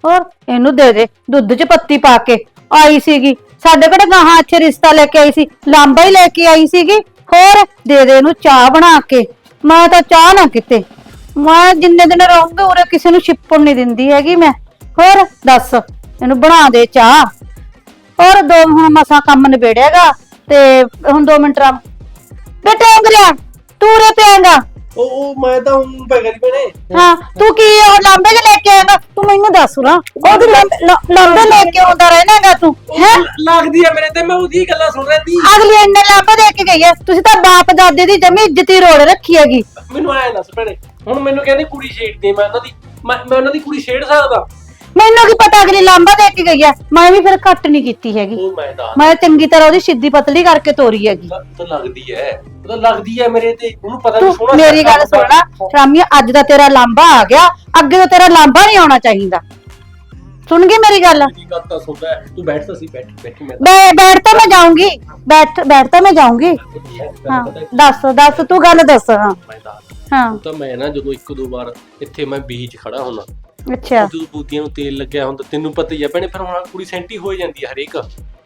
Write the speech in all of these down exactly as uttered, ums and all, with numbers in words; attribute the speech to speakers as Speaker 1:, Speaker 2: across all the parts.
Speaker 1: ਹੋਰ ਇਹਨੂੰ ਦੇ ਦੇ ਦੁੱਧ 'ਚ ਪੱਤੀ ਪਾ ਕੇ ਆਈ ਸੀਗੀ ਸਾਡੇ ਕਿਹੜੇ ਗਾਹਾਂ ਇੱਥੇ ਰਿਸ਼ਤਾ ਲੈ ਕੇ ਆਈ ਸੀ ਲਾਂਬਾ ਹੀ ਲੈ ਕੇ ਆਈ ਸੀਗੀ ਹੋਰ ਦੇ ਦੇ ਇਹਨੂੰ ਚਾਹ ਬਣਾ ਕੇ ਮੈਂ ਤਾਂ ਚਾਹ ਨਾ ਕਿਤੇ ਮੈਂ ਜਿੰਨੇ ਦਿਨ ਰਹੂੰਗੀ ਉਰੇ ਕਿਸੇ ਨੂੰ ਛਿੱਪਣ ਨਹੀਂ ਦਿੰਦੀ ਹੈਗੀ ਮੈਂ ਹੋਰ ਦੱਸ ਇਹਨੂੰ ਬਣਾ ਦੇ ਚਾਹ ਹੋਰ ਦੋ ਹੁਣ ਮਸਾਂ ਕੰਮ ਨਿਬੇੜਿਆਗਾ ਤੇ ਹੁਣ ਦੋ ਮਿੰਟ ਰਾ ਬੇਟਾ ਅੰਗਰਿਆ ਤੂੰ ਰੇ ਪਿਆਂਗਾ
Speaker 2: ਉਹ ਉਹ ਮੈਂ ਤਾਂ ਹੁਣ ਪੈ ਗਈ ਭੈਣੇ
Speaker 1: ਹਾਂ ਤੂੰ ਕੀ ਉਹ ਲਾਂਬੇ ਚ ਲੈ ਕੇ ਆਏਗਾ ਤੂੰ ਮੈਨੂੰ ਦੱਸ ਨਾ ਉਹ ਵੀ ਲਾਂਬੇ ਲੈ ਕੇ ਆਉਂਦਾ ਰਹਿਣਾਗਾ ਤੂੰ ਹੈ
Speaker 2: ਲੱਗਦੀ ਆ ਮੇਰੇ ਤੇ ਮੈਂ ਉਹਦੀ ਗੱਲਾਂ ਸੁਣ ਰਹੀ ਸੀ
Speaker 1: ਅਗਲੀ ਇੰਨੇ ਲਾਂਬੇ ਦੇ ਕੇ ਗਈ ਹੈ ਤੁਸੀਂ ਤਾਂ ਬਾਪ ਦਾਦੇ ਦੀ ਜਮੀ ਇੱਜ਼ਤੀ ਰੋੜ ਰੱਖੀ ਹੈਗੀ
Speaker 2: ਮੈਨੂੰ ਆਇਆ ਦੱਸ ਭੈਣੇ ਹੁਣ ਮੈਨੂੰ ਕਹਿੰਦੀ ਕੁੜੀ ਛੇੜਦੀ ਮੈਂ ਉਹਨਾਂ ਦੀ ਮੈਂ ਮੈਂ ਉਹਨਾਂ ਦੀ ਕੁੜੀ ਛੇੜ ਸਕਦਾ
Speaker 1: ਮੈਨੂੰ ਕੀ ਪਤਾ ਅਗਲੀ ਲਾਂਬਾ ਦੇ ਕੇ ਗਈ ਹੈ ਮੈਂ ਵੀ ਫਿਰ ਘੱਟ ਨਹੀਂ ਕੀਤੀ ਹੈਗੀ
Speaker 2: ਉਹ ਮੈਂ ਤਾਂ
Speaker 1: ਮੈਂ ਚੰਗੀ ਤਰ੍ਹਾਂ ਉਹਦੀ ਸਿੱਧੀ ਪਤਲੀ ਕਰਕੇ ਤੋਰੀ ਹੈਗੀ
Speaker 2: ਤਾਂ ਲੱਗਦੀ ਐ ਉਹ ਤਾਂ ਲੱਗਦੀ ਐ ਮੇਰੇ ਤੇ ਉਹਨੂੰ ਪਤਾ ਨਹੀਂ
Speaker 1: ਤੂੰ
Speaker 2: ਸੋਹਣਾ
Speaker 1: ਮੇਰੀ ਗੱਲ ਸੁਣਨਾ ਰਾਮੀਆ ਅੱਜ ਦਾ ਤੇਰਾ ਲਾਂਬਾ ਆ ਗਿਆ ਅੱਗੇ ਤੋਂ ਤੇਰਾ ਲਾਂਬਾ ਨਹੀਂ ਆਉਣਾ ਚਾਹੀਦਾ ਸੁਣ ਗਈ ਮੇਰੀ ਗੱਲ
Speaker 2: ਮੇਰੀ ਗੱਲ ਤਾਂ ਸੁਣਦਾ ਤੂੰ ਬੈਠ ਤਾਂ ਸੀ ਬੈਠ ਬੈਠੀ ਮੈਂ
Speaker 1: ਬੈ ਬੈਠ ਤਾਂ ਮੈਂ ਜਾਊਂਗੀ ਬੈਠ ਬੈਠ ਤਾਂ ਮੈਂ ਜਾਊਂਗੀ ਹਾਂ ਦੱਸ ਦੱਸ ਤੂੰ ਗੱਲ ਦੱਸ ਹਾਂ
Speaker 2: ਮੈਂ ਤਾਂ
Speaker 1: ਹਾਂ
Speaker 2: ਉਹ ਤਾਂ ਮੈਂ ਨਾ ਜਦੋਂ ਇੱਕ ਦੋ ਵਾਰ ਇੱਥੇ ਮੈਂ ਬੀਚ ਖੜਾ ਹੁੰਦਾ
Speaker 1: ਅੱਛਾ
Speaker 2: ਜਦੋਂ ਬੂਟੀਆਂ ਨੂੰ ਤੇਲ ਲੱਗਿਆ ਹੁੰਦਾ ਤੈਨੂੰ ਪਤਾ ਹੀ ਆ ਭੈਣੇ ਫਿਰ ਹੁਣ ਕੁੜੀ ਸੈਂਟੀ ਹੋ ਜਾਂਦੀ ਆ ਹਰੇਕ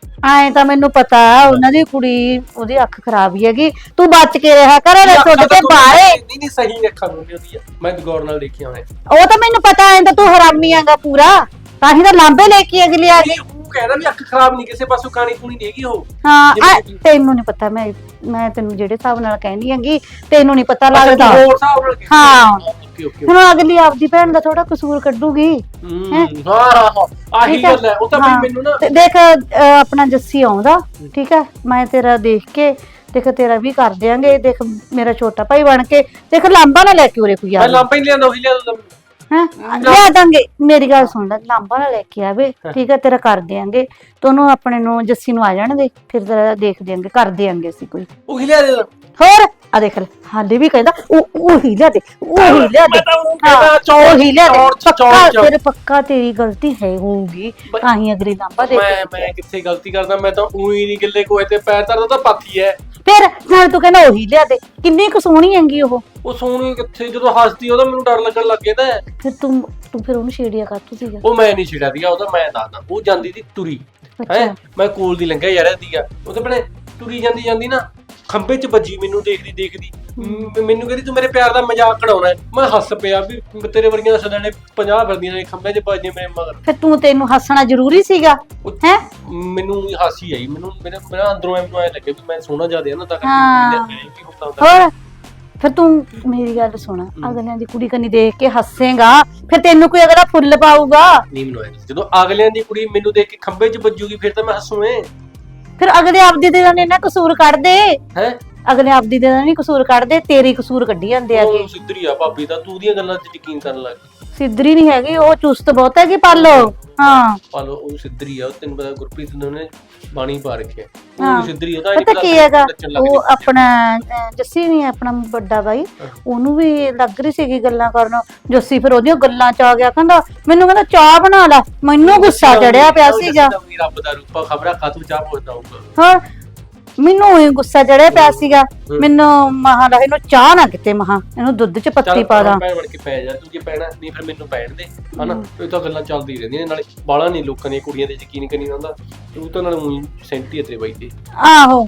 Speaker 1: ਐ ਤਾਂ ਮੈਨੂੰ ਪਤਾ ਉਹਨਾਂ ਦੀ ਕੁੜੀ ਉਹਦੀ ਅੱਖ ਖਰਾਬ ਹੀ ਹੈਗੀ ਤੂੰ ਬਚ ਕੇ ਰਿਹਾ ਕਰ ਲੈ ਛੋਟੇ ਤੇ ਬਾਹਰੇ
Speaker 2: ਨਹੀਂ ਨਹੀਂ ਸਹੀ ਅੱਖਾਂ ਨੂੰ ਉਹਦੀ ਆ ਮੈਂ ਗੌਰ ਨਾਲ ਦੇਖਿਆ ਹੋਇਆ
Speaker 1: ਉਹ ਤਾਂ ਮੈਨੂੰ ਪਤਾ ਐ ਤਾਂ ਤੂੰ ਹਰਾਮੀ ਆਂਗਾ ਪੂਰਾ ਤਾਂ ਹੀ ਤਾਂ ਲਾਂਬੇ ਲੈ ਕੇ ਅਗਲੀ ਆ ਗਈ
Speaker 2: ਉਹ ਕਹਿੰਦਾ ਵੀ ਅੱਖ ਖਰਾਬ ਨਹੀਂ ਕਿਸੇ ਪਾਸੋਂ ਕਾਣੀ ਕੂਣੀ ਨਹੀਂ ਹੈਗੀ ਉਹ
Speaker 1: ਹਾਂ ਤੈਨੂੰ ਨਹੀਂ ਪਤਾ ਮੈਂ ਮੈਂ ਤੈਨੂੰ ਜਿਹੜੇ ਹਿਸਾਬ ਨਾਲ ਕਹਿਣੀ ਹੈਗੀ ਤੈਨੂੰ ਨਹੀਂ ਪਤਾ ਲੱਗਦਾ
Speaker 2: ਹੋਰ ਹਿਸਾਬ ਨਾਲ
Speaker 1: ਹਾਂ
Speaker 2: ਓਕੇ ਓਕੇ
Speaker 1: ਹੁਣ ਅਗਲੀ ਆਪਦੀ ਭੈਣ ਦਾ ਥੋੜਾ ਕਸੂਰ ਕੱਢੂਗੀ
Speaker 2: ਹਾਂ ਹਾਂ ਹਾਂ ਆਹੀ ਗੱਲ ਹੈ ਉਹ ਤਾਂ ਵੀ ਮੈਨੂੰ ਨਾ
Speaker 1: ਦੇਖ ਆਪਣਾ ਜੱਸੀ ਆਉਂਦਾ ਠੀਕ ਹੈ ਮੈਂ ਤੇਰਾ ਦੇਖ ਕੇ ਦੇਖ ਤੇਰਾ ਵੀ ਕਰ ਦਿਆਂਗੇ ਦੇਖ ਮੇਰਾ ਛੋਟਾ ਭਾਈ ਬਣ ਕੇ ਦੇਖ ਲਾਂਬਾ ਨਾ ਲੈ ਕੇ ਉਰੇ ਕੋਈ ਆ
Speaker 2: ਮੈਂ ਲਾਂਬਾ ਹੀ ਲਿਆਂਦਾ ਉਹੀ ਲਿਆਂਦਾ
Speaker 1: ਹੈ ਲਿਆ ਦਾਂਗੇ ਮੇਰੀ ਗੱਲ ਸੁਣ ਲੈ ਲਾਂਬਾ ਨਾ ਲੈ ਕੇ ਆਵੇ ਠੀਕ ਹੈ ਤੇਰਾ ਕਰ ਦਿਆਂਗੇ ਤੈਨੂੰ ਆਪਣੇ ਨੂੰ ਜੱਸੀ ਨੂੰ ਆ ਜਾਣ ਦੇ ਫਿਰ ਤੇਰਾ ਦੇਖ ਦਿਆਂਗੇ ਕਰ ਦਿਆਂਗੇ ਅਸੀਂ ਕੋਈ
Speaker 2: ਉਹੀ ਲਿਆ ਦੇ
Speaker 1: ਹੋਰ ਆ ਦੇਖ ਲੈ ਹਾਲੇ ਵੀ ਕਹਿੰਦਾ ਉਹ ਉਹੀ ਲਿਆ ਦੇ ਉਹੀ ਲਿਆ ਦੇ
Speaker 2: ਕਹਿੰਦਾ ਚੌੜ
Speaker 1: ਉਹੀ ਲਿਆ ਦੇ
Speaker 2: ਚੌੜ
Speaker 1: ਪੱਕਾ ਤੇਰੇ ਪੱਕਾ ਤੇਰੀ ਗਲਤੀ ਹੈ ਹੋਊਗੀ ਤਾਂ ਹੀ ਅਗਲੀ ਲਾਂਬਾ ਦੇ
Speaker 2: ਮੈਂ ਮੈਂ ਕਿੱਥੇ ਗਲਤੀ ਕਰਦਾ ਮੈਂ ਤਾਂ ਉਹੀ ਨਹੀਂ ਗਿੱਲੇ ਕੋਏ ਤੇ ਪੈਰ ਧਰਦਾ ਤਾਂ ਪਾਥੀ ਐ
Speaker 1: ਫਿਰ ਨਾਲ ਤੂੰ ਕਹਿੰਦਾ ਉਹੀ ਲਿਆ ਦੇ ਕਿੰਨੀ ਕੁ ਸੋਹਣੀ ਹੈਗੀ ਉਹ
Speaker 2: ਉਹ ਸੋਹਣੀ ਕਿੱਥੇ ਜਦੋਂ ਹੱਸਦੀ ਉਹਦਾ ਮੈਨੂੰ ਡਰ ਲੱਗਣ ਲੱਗ ਗਿਆ ਤਾਂ
Speaker 1: ਫਿਰ ਤੂੰ ਤੂੰ ਫਿਰ ਉਹਨੂੰ ਛੇੜਿਆ ਕਰ ਤੂੰ ਸੀਗਾ
Speaker 2: ਉਹ ਮੈਂ ਨਹੀਂ ਛੇੜਿਆ ਦੀਆ ਉਹਦਾ ਮੈਂ ਦੱਸਦਾ ਉਹ ਜਾਂਦੀ ਸੀ ਤੁਰੀ ਹੈ ਮੈਂ ਕੋਲ ਦੀ ਲੰਘਿਆ ਯਾਰ ਦੀਆ ਉਹ ਤੇ ਆਪਣੇ ਤੁਰੀ ਜਾਂਦੀ ਜਾਂਦੀ ਨਾ ਖੰਬੇ 'ਚ ਵੱਜੀ ਮੈਨੂੰ ਦੇਖਦੀ ਦੇਖਦੀ ਮੈਨੂੰ ਕਹਿੰਦੀ ਤੂੰ ਮੇਰੇ ਪਿਆਰ ਦਾ ਮਜ਼ਾਕ ਕਢਾਉਣਾ ਮੈਂ ਹੱਸ ਪਿਆ ਵੀ ਤੇਰੇ ਵਰਗੀਆਂ ਸਦਾਣੇ ਪੰਜਾਹ ਫਿਰਦੀਆਂ ਨੇ ਖੰਬੇ 'ਚ ਵੱਜੇ ਮੇਰੇ ਮਗਰ ਫਿਰ
Speaker 1: ਤੂੰ ਤੈਨੂੰ ਹੱਸਣਾ ਜ਼ਰੂਰੀ ਸੀਗਾ ਹੈ
Speaker 2: ਮੈਨੂੰ ਹਾਸੀ ਆਈ ਮੈਨੂੰ ਮੇਰਾ ਮੇਰਾ ਅੰਦਰੋਂ ਐਂ ਲੱਗੇ ਵੀ ਮੈਂ ਸੋਹਣਾ ਜ਼ਿਆਦਾ ਨਾ ਤਾਂ
Speaker 1: ਕਰਕੇ ਹੋਰ ਫਿਰ ਤੂੰ ਮੇਰੀ ਗੱਲ ਸੁਣ ਅਗਲਿਆਂ ਦੀ ਕੁੜੀ ਕੰਨੀ ਦੇਖ ਕੇ ਹੱਸੇਗਾ ਫਿਰ ਤੈਨੂੰ ਕੋਈ ਅਗਲਾ ਫੁੱਲ ਪਾਊਗਾ
Speaker 2: ਨਹੀਂ ਮੈਨੂੰ ਜਦੋਂ ਅਗਲਿਆਂ ਦੀ ਕੁੜੀ ਮੈਨੂੰ ਦੇਖ ਕੇ ਖੰਬੇ 'ਚ ਵੱਜੂਗੀ ਫਿਰ ਤਾਂ ਮੈਂ ਹੱਸੂਏ
Speaker 1: ਫਿਰ ਅਗਲੇ ਆਪਦੀ ਦੇ ਨੇ ਨਾ ਕਸੂਰ ਕੱਢਦੇ
Speaker 2: ਹੈ
Speaker 1: ਅਗਲੇ ਆਪਦੀ ਦੇ ਨਹੀਂ ਕਸੂਰ ਕੱਢਦੇ ਤੇਰੀ ਕਸੂਰ ਕੱਢੀ ਜਾਂਦੇ ਆਗੇ
Speaker 2: ਉਹ ਸਿੱਧਰੀ ਆ ਭਾਬੀ ਤਾਂ ਤੂੰ ਦੀਆਂ ਗੱਲਾਂ 'ਚ ਯਕੀਨ ਕਰਨ ਲੱਗ
Speaker 1: ਸਿੱਧਰੀ ਨਹੀਂ ਹੈਗੀ ਉਹ ਚੁਸਤ ਬਹੁਤ ਹੈਗੀ ਪਾਲੋ ਹਾਂ
Speaker 2: ਪਾਲੋ ਉਹ ਸਿੱਧਰੀ ਆ ਤੈਨੂੰ ਪਤਾ ਗੁਰਪ੍ਰੀਤ ਨੇ ਬਾਣੀ ਪਾ ਰੱਖਿਆ
Speaker 1: ਹਾਂ
Speaker 2: ਉਹ ਸਿੱਧਰੀ ਉਹਦਾ
Speaker 1: ਪਤਾ ਕੀ ਹੈਗਾ ਉਹ ਆਪਣਾ ਜੱਸੀ ਨਹੀਂ ਆਪਣਾ ਵੱਡਾ ਬਾਈ ਉਹਨੂੰ ਵੀ ਲੱਗ ਰਹੀ ਸੀਗੀ ਗੱਲਾਂ ਕਰਨ ਜੱਸੀ ਫਿਰ ਉਹਦੀਆਂ ਗੱਲਾਂ ਚ ਆ ਗਿਆ ਕਹਿੰਦਾ ਮੈਨੂੰ ਕਹਿੰਦਾ ਚਾਹ ਬਣਾ ਲੈ ਮੈਨੂੰ ਗੁੱਸਾ ਚੜਿਆ ਪਿਆ ਸੀਗਾ
Speaker 2: ਰੱਬ ਦਾ ਰੂਪਾ ਖਬਰਾਂ ਖਾਤੂ ਚਾਹ ਪੁੱਛਦਾ ਹੋਊਗਾ
Speaker 1: ਹਾਂ ਮੈਨੂੰ ਹੀ ਗੁੱਸਾ ਚੜਿਆ ਪਿਆ ਸੀਗਾ ਮੈਨੂੰ ਮਹਾ ਦਾ ਇਹਨੂੰ ਚਾਹ ਨਾ ਕਿਤੇ ਮਹਾ ਇਹਨੂੰ ਦੁੱਧ ਚ ਪੱਤੀ ਪਾ ਦਾਂ
Speaker 2: ਭੈਣ ਬਣ ਕੇ ਪੈ ਜਾ ਤੂੰ ਜੇ ਪੈਣਾ ਨਹੀਂ ਫਿਰ ਮੈਨੂੰ ਪੈਣ ਦੇ ਹਨਾ ਇਹ ਤਾਂ ਗੱਲਾਂ ਚੱਲਦੀ ਰਹਿੰਦੀਆਂ ਨਾਲੇ ਬਾਲਾ ਨਹੀਂ ਲੋਕਾਂ ਦੀਆਂ ਕੁੜੀਆਂ ਤੇ ਯਕੀਨ ਕਰੀ ਹੁੰਦਾ ਤੂੰ ਤਾਂ ਨਾਲ ਉਹੀ ਸੈਂਟੀ ਹੈ ਤੇਰੇ ਬਾਈ ਤੇ
Speaker 1: ਆਹੋ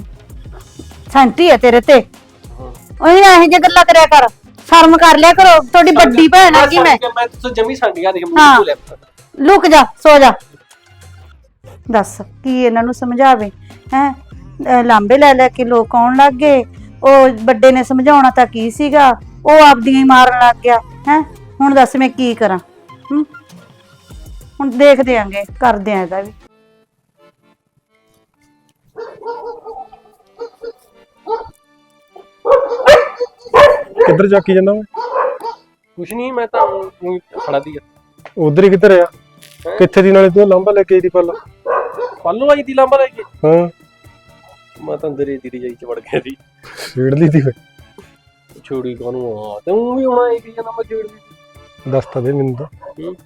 Speaker 1: ਸੈਂਟੀ ਹੈ ਤੇਰੇ ਤੇ ਉਹੀ ਨਾ ਇਹ ਜੇ ਗੱਲਾਂ ਕਰਿਆ ਕਰ ਸ਼ਰਮ ਕਰ ਲਿਆ ਕਰੋ ਤੁਹਾਡੀ ਵੱਡੀ ਭੈਣ ਆ ਕਿ ਮੈਂ
Speaker 2: ਮੈਂ ਤਾਂ ਜਮੀ ਸੰਡੀਆਂ ਦੇਖ ਮੂੰਹ ਤੋਂ ਲੈ
Speaker 1: ਲੁਕ ਜਾ ਸੋ ਜਾ ਦੱਸ ਕੀ ਇਹਨਾਂ ਨੂੰ ਸਮਝਾਵੇ ਹੈ ਲਾਂਬੇ ਲੈ ਲੈ ਕੇ ਲੋਕ ਆਉਣ ਲੱਗ ਗਏ ਉਹ ਵੱਡੇ ਨੇ ਸਮਝਾਉਣਾ ਤਾਂ ਕੀ ਸੀਗਾ ਉਹ ਆਪਦੀਆਂ ਹੀ ਮਾਰਨ ਲੱਗ ਗਿਆ ਹੈ ਹੁਣ ਦੱਸ ਮੈਂ ਕੀ ਕਰਾਂ ਹੁਣ ਦੇਖਦੇ ਆਂਗੇ ਕਰਦੇ ਆਂ ਇਹਦਾ ਵੀ
Speaker 3: ਕਿੱਧਰ ਚੱਕੀ ਜਾਂਦਾ ਮੈਂ
Speaker 2: ਕੁਛ ਨਹੀਂ ਮੈਂ ਤਾਂ ਖੜਾ ਦੀ
Speaker 3: ਉਧਰ ਹੀ ਕਿੱਧਰ ਆ ਕਿੱਥੇ ਦੀ ਨਾਲੇ ਤੂੰ ਲਾਂਬਾ ਲੈ ਕੇ ਆਈ ਦੀ ਪੱਲ
Speaker 2: ਪੱਲੂ ਆਈ ਦੀ ਲਾਂਬਾ ਲੈ ਕੇ
Speaker 3: ਹਾਂ
Speaker 2: ਮੈਂ ਤਾਂ ਅੰਦਰ ਹੀ ਦੀ ਜਾਈ ਚ ਵੜ ਗਿਆ ਸੀ
Speaker 3: ਛੇੜ ਲਈ ਦੀ
Speaker 2: ਛੋੜੀ ਕਾਨੂੰ ਆ ਤੇ ਉਹ ਵੀ ਆਉਣਾ ਇੱਕ ਜਨਾ ਮੈਂ ਛੇੜ ਲਈ
Speaker 3: ਦੱਸ ਤਾਂ ਦੇ ਮੈਨੂੰ ਤਾਂ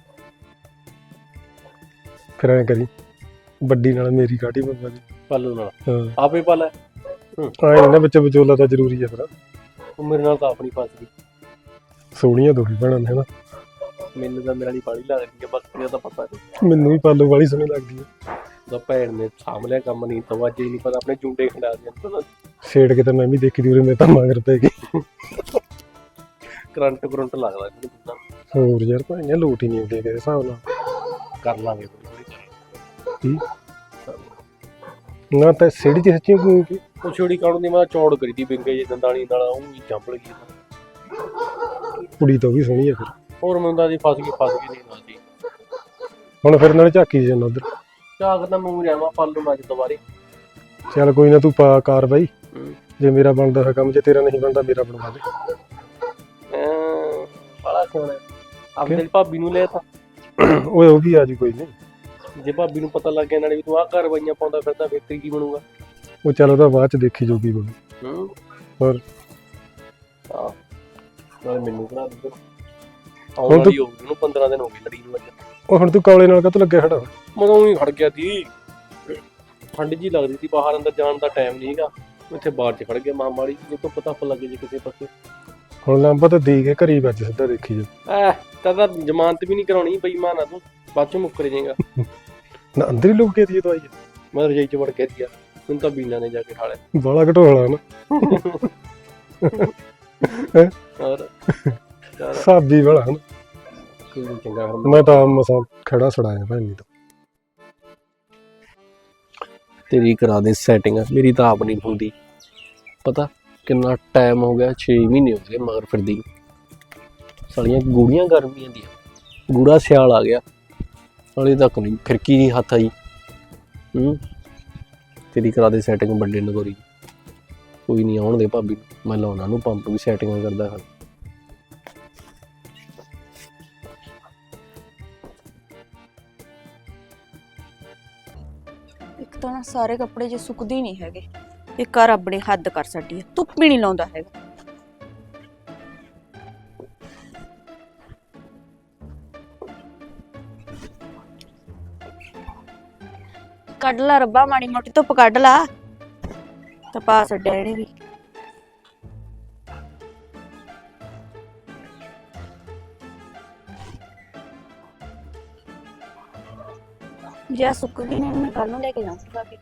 Speaker 3: ਫਿਰ ਐਂ ਕਰੀ ਵੱਡੀ ਨਾਲ ਮੇਰੀ ਕਾਟੀ ਬੰਦਾ ਦੀ
Speaker 2: ਪੱਲੂ ਨਾਲ
Speaker 3: ਹਾਂ
Speaker 2: ਆਪੇ ਪਾ ਲੈ
Speaker 3: ਆਏ ਨਾ ਵਿੱਚ ਵਿਚੋਲਾ ਤਾਂ ਜ਼ਰੂਰੀ ਹੈ ਫਿਰ
Speaker 2: ਉਹ ਮੇਰੇ ਨਾਲ ਤਾਂ ਆਪਣੀ ਫਸ ਗਈ
Speaker 3: ਸੋਹਣੀਆਂ ਦੋਹੀ ਭੈਣਾਂ ਨੇ ਹਨਾ
Speaker 2: ਮੈਨੂੰ ਤਾਂ ਮੇਰੇ ਵਾਲੀ ਬਾਲੀ ਲੱਗਦੀ ਆ, ਬਾਕੀ ਦਾ ਤਾਂ ਪਤਾ ਨਹੀਂ।
Speaker 3: ਮੈਨੂੰ ਵੀ ਪਾਲੋ ਵਾਲੀ ਸੋਹਣੀ ਲੱਗਦੀ ਹੈ।
Speaker 2: ਉਹਦਾ ਭੈਣ ਨੇ ਸਾਂਭ ਲਿਆ ਕੰਮ, ਨਹੀਂ ਤਾਂ ਅੱਜ ਹੀ ਨਹੀਂ ਪਤਾ ਆਪਣੇ ਜੁੰਡੇ ਖੰਡਾ ਦਿਆਂ।
Speaker 3: ਛੇੜ ਕੇ ਤਾਂ ਮੈਂ ਵੀ ਦੇਖੀ ਦੀ ਉਰੇ, ਮੇਰੇ ਤਾਂ ਮਗਰ ਪੈ ਗਈ।
Speaker 2: ਕਰੰਟ ਕਰੰਟ ਲੱਗਦਾ ਇਹਨੂੰ ਤਾਂ।
Speaker 3: ਹੋਰ ਯਾਰ ਭਾਈਆਂ ਲੋਟ ਹੀ ਨਹੀਂ ਆਉਂਦੇ ਕਿਸੇ ਹਿਸਾਬ ਨਾਲ।
Speaker 2: ਕਰ ਲਾਂਗੇ ਥੋੜੀ
Speaker 3: ਕੀ ਨਾ ਤਾਂ ਸਿਹੜੀ ਚ ਸੱਚੀ ਕੋਈ ਕੀ
Speaker 2: ਉਹ ਛੋੜੀ ਕਾਉਣ ਦੀ ਮੈਂ ਚੌੜ ਕਰੀ ਦੀ ਬਿੰਗੇ ਜੇ ਦੰਦਾਲੀ ਨਾਲ, ਉਹ ਵੀ ਚੰਪਲ ਗਈ।
Speaker 3: ਕੁੜੀ ਤਾਂ ਵੀ ਸੋਹਣੀ ਆ ਫਿਰ।
Speaker 2: ਹੋਰ ਮੈਨੂੰ ਤਾਂ ਜੀ ਫਸ ਗਈ ਫਸ ਗਈ ਨਹੀਂ ਨਾ ਜੀ।
Speaker 3: ਹੁਣ ਫਿਰ ਨਾਲੇ ਝਾਕੀ ਜਾਂਦਾ ਉਧਰ।
Speaker 2: ਝਾਕ ਤਾਂ ਮੂੰਹ ਰਿਆਵਾ ਪਾਲੂ ਨਾ ਅੱਜ ਦੁਬਾਰੇ।
Speaker 3: ਚੱਲ ਕੋਈ ਨਾ ਤੂੰ ਪਾ ਕਾਰਵਾਈ, ਜੇ ਮੇਰਾ ਬਣਦਾ ਹੈ ਕੰਮ, ਜੇ ਤੇਰਾ ਨਹੀਂ ਬਣਦਾ ਮੇਰਾ ਬਣਵਾ ਦੇ।
Speaker 2: ਅਹ ਬੜਾ ਸੋਹਣਾ ਆਪਣੀ ਭਾਬੀ ਨੂੰ ਲੈ ਤਾਂ
Speaker 3: ਓਏ ਉਹ ਵੀ ਆ ਜੀ ਕੋਈ ਨਹੀਂ।
Speaker 2: ਜੇ ਭਾਬੀ ਨੂੰ ਪਤਾ ਲੱਗ ਗਿਆ ਨਾਲੇ ਵੀ ਤੂੰ ਆਹ ਕਾਰਵਾਈਆਂ ਪਾਉਂਦਾ ਫਿਰਦਾ, ਫਿਰ ਤੇਰੀ ਕੀ ਬਣੂਗਾ?
Speaker 3: ਉਹ ਚੱਲ ਉਹਦਾ ਬਾਅਦ ਚ ਦੇਖੀ ਜੋਗੀ ਬਣੂ।
Speaker 2: ਹੂੰ
Speaker 3: ਹੋਰ
Speaker 2: ਹਾਂ ਨਾਲੇ ਮੈਨੂੰ ਬਣਾ ਦੇ। ਆਉਣ ਵਾਲੀ ਹੋ ਗਈ ਉਹਨੂੰ, ਪੰਦਰਾਂ ਦਿਨ ਹੋ ਗਏ ਲੜੀ ਨੂੰ ਅੱਜ।
Speaker 3: ਉਹ ਹੁਣ ਤੂੰ ਕੌਲੇ ਨਾਲ ਕਾਹਤੋਂ ਲੱਗਿਆ ਖੜਾ?
Speaker 2: ਮਦੋਂ ਹੀ ਖੜ ਗਿਆ ਸੀ, ਠੰਡ ਜੀ ਲੱਗਦੀ ਸੀ, ਬਾਹਰ ਅੰਦਰ ਜਾਣ ਦਾ ਟਾਈਮ ਨਹੀਂ ਹੈਗਾ। ਇੱਥੇ ਬਾਹਰ ਚ ਖੜ ਗਿਆ ਮਾਂ ਮਾੜੀ, ਜੇ ਤੋਂ ਪਤਾ ਫ ਲੱਗੇ ਜੇ ਕਿਸੇ ਪਾਸੇ।
Speaker 3: ਹੁਣ ਲੰਬਾ ਤਾਂ ਦੇ ਕੇ ਘਰੀ ਵੱਜ ਸਿੱਧਾ ਦੇਖੀ ਜਾ।
Speaker 2: ਐ ਤਾਂ ਤਾਂ ਜ਼ਮਾਨਤ ਵੀ ਨਹੀਂ ਕਰਾਉਣੀ ਬੇਈਮਾਨ ਆ ਤੂੰ, ਬਾਅਦ ਚੋਂ ਮੁੱਕਰ ਜਾਏਗਾ।
Speaker 3: ਨਾ ਅੰਦਰ ਹੀ ਲੁਕ ਕੇ ਦੀ ਦਵਾਈ
Speaker 2: ਮੈਂ ਰਜਾਈ ਚ ਵੜ ਕੇ ਦਿਆ, ਹੁਣ ਤਾਂ ਬੀਨਾ ਨੇ ਜਾ ਕੇ ਠਾ ਲਿਆ।
Speaker 3: ਬਾਲਾ ਘਟੋਲਾ ਨਾ
Speaker 2: ਹੋਰ
Speaker 3: ਸਾਬੀ ਵਾਲਾ ਹਨ।
Speaker 2: ਕੋਈ ਨੀ ਚੰਗਾ ਫਿਰ
Speaker 3: ਮੈਂ ਤਾਂ ਮਸਾਂ ਖੜਾ ਛੜਾਇਆ ਭੈਣੀ ਤੋਂ।
Speaker 2: ਤੇਰੀ ਕਰਾ ਦੇ ਸੈਟਿੰਗ, ਮੇਰੀ ਤਾਂ ਆਪ ਨਹੀਂ ਹੁੰਦੀ। ਪਤਾ ਕਿੰਨਾ ਟਾਈਮ ਹੋ ਗਿਆ, ਛੇ ਮਹੀਨੇ ਹੋ ਗਏ ਮਗਰ ਫਿਰਦੀ ਨੂੰ। ਸਾਲੀਆਂ ਗੂੜੀਆਂ ਗਰਮੀਆਂ ਦੀਆਂ, ਗੂੜਾ ਸਿਆਲ ਆ ਗਿਆ, ਹਾਲੇ ਤੱਕ ਨਹੀਂ ਫਿਰਕੀ ਨਹੀਂ ਹੱਥ ਆਈ। ਹੂੰ ਤੇਰੀ ਕਰਾ ਦੇ ਸੈਟਿੰਗ ਵੱਡੇ ਨਗੋਰੀ। ਕੋਈ ਨਹੀਂ ਆਉਣ ਦੇ ਭਾਬੀ ਨੂੰ, ਮੈਂ ਲਾਉਣਾ ਨੂੰ ਪੰਪ ਵੀ ਸੈਟਿੰਗ ਕਰਦਾ ਹਾਂ।
Speaker 4: ਇੱਕ ਤਾਂ ਨਾ ਸਾਰੇ ਕੱਪੜੇ ਜੇ ਸੁੱਕਦੇ ਨਹੀਂ ਹੈਗੇ, ਇਹ ਘਰ ਆਪਣੇ ਹੱਦ ਕਰ ਛੱਡੀ ਹੈ, ਧੁੱਪ ਵੀ ਨਹੀਂ ਲਾਉਂਦਾ ਹੈਗਾ। ਕੱਢ ਲਾ ਰੱਬਾ, ਮਾੜੀ ਮੋਟੀ ਧੁੱਪ ਕੱਢ ਲਾ, ਤਾਂ ਪਾ ਛੱਡਿਆ ਇਹਨੇ ਵੀ। ਜੇ ਸੁੱਕ ਗਈ ਨੇ ਮੈਂ ਕੱਲ ਨੂੰ ਲੈ ਕੇ ਜਾਊਂਗਾ ਕਿ